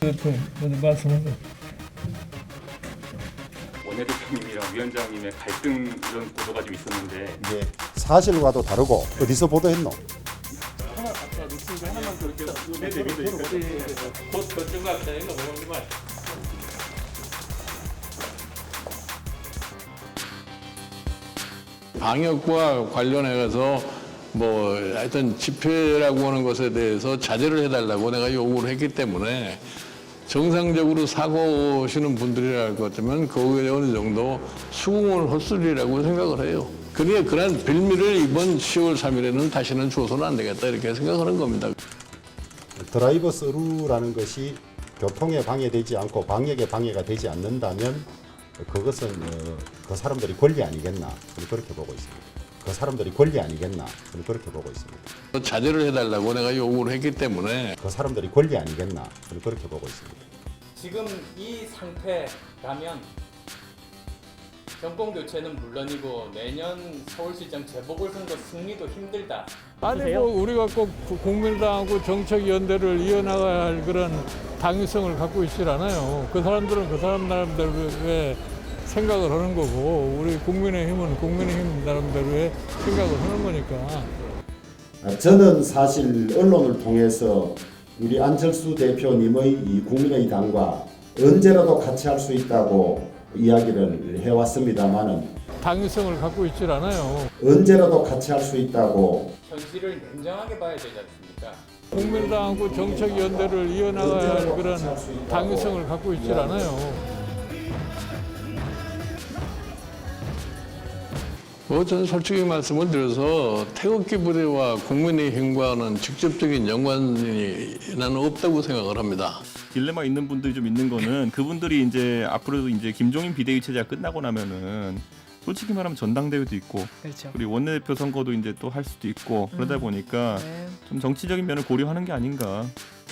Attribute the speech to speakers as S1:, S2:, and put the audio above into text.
S1: 대표 먼저 말씀하세요.
S2: 원내대표님이랑 위원장님의 갈등 이런 보도가 좀 있었는데
S3: 이게 사실과도 다르고 어디서 보도했노?
S4: 방역과 관련해서 뭐 하여튼 집회라고 하는 것에 대해서 자제를 해달라고 내가 요구를 했기 때문에 정상적으로 사고 오시는 분들이랄 것 같으면 거기에 어느 정도 수긍을 헛소리라고 생각을 해요. 그러니까 그런 빌미를 이번 10월 3일에는 다시는 줘서는 안 되겠다 이렇게 생각하는 겁니다.
S3: 드라이버 스루라는 것이 교통에 방해되지 않고 방역에 방해가 되지 않는다면 그것은 그 사람들이 권리 아니겠나 저는 그렇게 보고 있습니다. 그 사람들이 권리 아니겠나 저는 그렇게 보고 있습니다.
S4: 자제를 해달라고 내가 요구를 했기 때문에
S3: 그 사람들이 권리 아니겠나 저는 그렇게 보고 있습니다.
S5: 지금 이 상태라면 정권 교체는 물론이고 내년 서울시장 재보궐선거 승리도 힘들다.
S1: 아니 뭐 우리가 꼭 국민당하고 정책 연대를 이어나가야 할 그런 당위성을 갖고 있질 않아요. 그 사람들은 그 사람 나름대로의 생각을 하는 거고 우리 국민의힘은 국민의힘 나름대로의 생각을 하는 거니까.
S3: 저는 사실 언론을 통해서 우리 안철수 대표님의 이 국민의당과 언제라도 같이 할 수 있다고 이야기를 해왔습니다만은
S1: 당위성을 갖고 있질 않아요.
S3: 언제라도 같이 할 수 있다고
S5: 현실을 냉정하게 봐야 되지 않습니까?
S1: 국민당하고 정책 연대를 이어나가야 할 그런 당위성을 갖고 있질 않아요.
S4: 저는 솔직히 말씀을 드려서 태극기 부대와 국민의힘과는 직접적인 연관이 나는 없다고 생각을 합니다.
S2: 딜레마 있는 분들이 좀 있는 거는 그분들이 이제 앞으로도 이제 김종인 비대위 체제가 끝나고 나면은 솔직히 말하면 전당대회도 있고
S6: 그렇죠.
S2: 그리고 원내대표 선거도 이제 또 할 수도 있고 그러다 보니까
S6: 네.
S2: 좀 정치적인 면을 고려하는 게 아닌가